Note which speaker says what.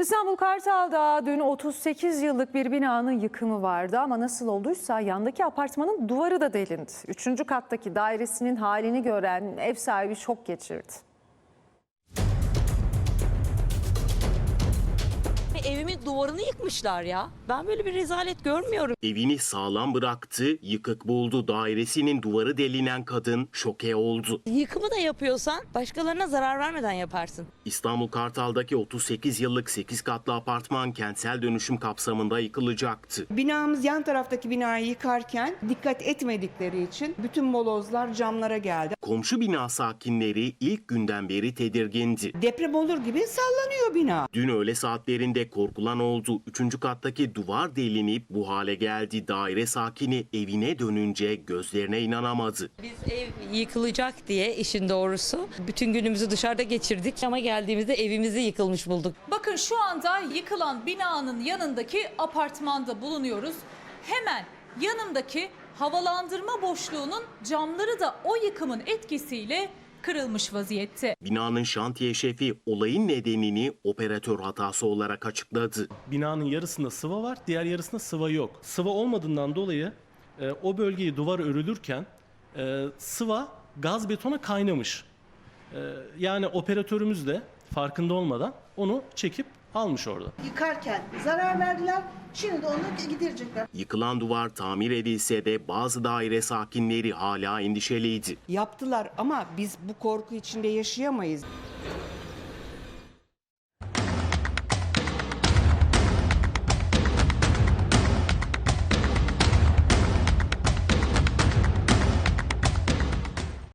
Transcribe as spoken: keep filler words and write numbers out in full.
Speaker 1: İstanbul Kartal'da dün otuz sekiz yıllık bir binanın yıkımı vardı ama nasıl olduysa yandaki apartmanın duvarı da delindi. Üçüncü kattaki dairesinin halini gören ev sahibi şok geçirdi.
Speaker 2: Evimin duvarını yıkmışlar ya. Ben böyle bir rezalet görmüyorum.
Speaker 3: Evini sağlam bıraktı, yıkık buldu. Dairesinin duvarı delinen kadın şoke oldu.
Speaker 2: Yıkımı da yapıyorsan başkalarına zarar vermeden yaparsın.
Speaker 3: İstanbul Kartal'daki otuz sekiz yıllık sekiz katlı apartman kentsel dönüşüm kapsamında yıkılacaktı.
Speaker 4: Binamız yan taraftaki binayı yıkarken dikkat etmedikleri için bütün molozlar camlara geldi.
Speaker 3: Komşu bina sakinleri ilk günden beri tedirgindi.
Speaker 4: Deprem olur gibi sallanıyor bina.
Speaker 3: Dün öğle saatlerinde korkulan oldu. Üçüncü kattaki duvar delinip bu hale geldi. Daire sakini evine dönünce gözlerine inanamadı.
Speaker 2: Biz ev yıkılacak diye işin doğrusu bütün günümüzü dışarıda geçirdik ama geldiğimizde evimizi yıkılmış bulduk.
Speaker 5: Bakın şu anda yıkılan binanın yanındaki apartmanda bulunuyoruz. Hemen yanındaki havalandırma boşluğunun camları da o yıkımın etkisiyle kırılmış vaziyette.
Speaker 3: Binanın şantiye şefi olayın nedenini operatör hatası olarak açıkladı.
Speaker 6: Binanın yarısında sıva var, diğer yarısında sıva yok. Sıva olmadığından dolayı e, o bölgeyi duvar örülürken e, sıva gaz betona kaynamış. E, yani operatörümüz de farkında olmadan onu çekip almış orada.
Speaker 7: Yıkarken zarar verdiler. Şimdi de onu giderecekler.
Speaker 3: Yıkılan duvar tamir edilse de bazı daire sakinleri hala endişeliydi.
Speaker 4: Yaptılar ama biz bu korku içinde yaşayamayız.